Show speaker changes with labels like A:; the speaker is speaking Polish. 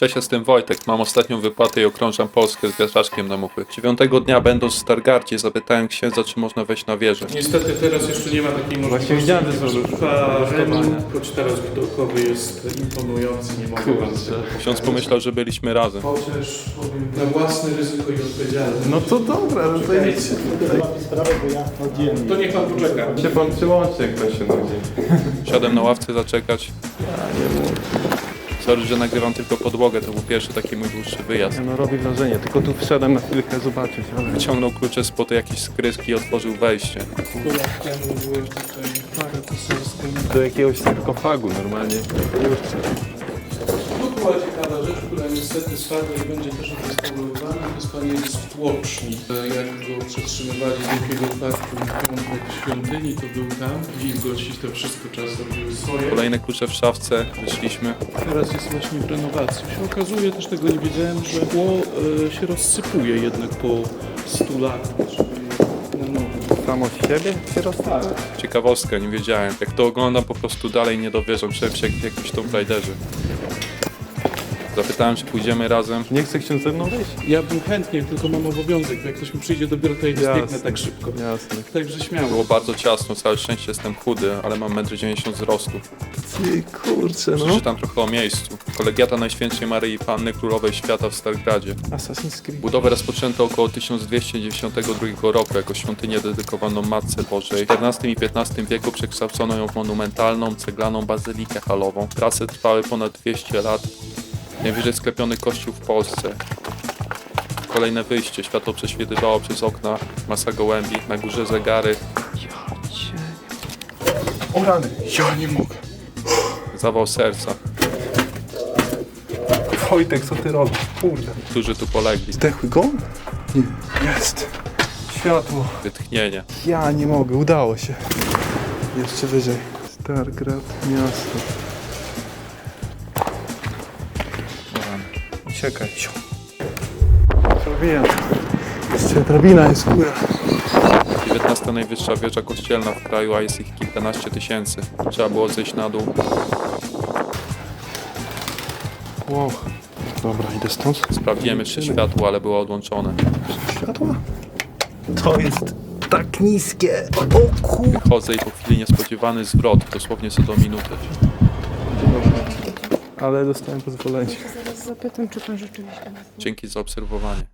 A: Cześć, jestem Wojtek. Mam ostatnią wypłatę i okrążam Polskę z wiatraczkiem na muchy. 9 dnia, będąc w Stargardzie, zapytałem księdza, czy można wejść na wieżę.
B: Niestety teraz jeszcze nie ma takiej możliwości.
C: widziałem, że są
B: choć teraz widokowy jest imponujący, nie mogę wam tego
A: Ksiądz pomyślał, że byliśmy razem.
B: Chociaż powiem na własne ryzyko i odpowiedzialność.
C: No to dobra, no to idź.
B: To niech pan poczeka.
C: Się pan przyłączy, jak pan się nudzi.
A: Siadłem na ławce zaczekać. Sorry, że nagrywam tylko podłogę, to był pierwszy taki mój dłuższy wyjazd.
C: No robi wrażenie, tylko tu wszedłem na chwilkę zobaczyć, ale...
A: Wyciągnął klucze spod jakiejś skrytki i otworzył wejście.
B: Byłeś tutaj parę poselska.
C: Do jakiegoś sarkofagu normalnie.
B: Tu była ciekawa rzecz, która niestety spada i będzie też odrestaurowana. To jest pamięć tłoczni. Jak go przetrzymywali z Wielkiego Parku i piątek w świątyni, to był tam. Wilgoć i to wszystko czasem robiły swoje.
A: Kolejne klucze w szafce, wyszliśmy.
B: Teraz jest właśnie w renowacji. Się okazuje, też tego nie wiedziałem, że tło się rozsypuje jednak po 100 latach. Czyli na nowo.
C: Samo z siebie się rozstawia.
A: Ciekawostka, nie wiedziałem. Jak to oglądam, po prostu dalej nie dowierzam. Czułem się jak w jakimś Tomb Raiderze. Zapytałem, czy pójdziemy razem.
C: Nie chce ksiądz ze mną wyjść?
B: Ja bym chętnie, tylko mam obowiązek, bo jak ktoś mi przyjdzie dopiero, to ja nie zbiegnę tak szybko.
C: Jasne.
B: Także śmiało.
A: Było bardzo ciasno, całe szczęście jestem chudy, ale mam 1,90 m wzrostu.
C: Ty kurczę, no.
A: Przeczytam trochę o miejscu. Kolegiata Najświętszej Maryi Panny Królowej Świata w Stargardzie.
C: Assassin's Creed.
A: Budowę rozpoczęto około 1292 roku jako świątynię dedykowaną Matce Bożej. W XIV i XV wieku przekształcono ją w monumentalną, ceglaną bazylikę halową. Prace trwały ponad 200 lat. Najwyżej sklepiony kościół w Polsce. Kolejne wyjście. Światło prześwitywało przez okna. Masa gołębi. Na górze zegary.
C: O rany, ja nie mogę.
A: Zawał serca.
C: Wojtek, co ty robisz? Kurde.
A: Którzy tu polegli.
C: Zdechły go? Nie. Jest. Światło.
A: Wytchnienie.
C: Ja nie mogę, udało się. Jeszcze wyżej. Stargrad, miasto. Uciekaj. Zrobiłem. Jeszcze drabina jest góra.
A: 19 najwyższa wieża kościelna w kraju, a jest ich kilkanaście tysięcy. Trzeba było zejść na dół.
C: Wow. Dobra, idę stąd.
A: Sprawdziłem jeszcze światło, ale było odłączone.
C: Światła? To jest tak niskie. O kur...
A: Chodzę i po chwili niespodziewany zwrot, dosłownie co do minuty.
C: Ale dostałem pozwolenie.
D: Zaraz zapytam, czy pan rzeczywiście...
A: Dzięki za obserwowanie.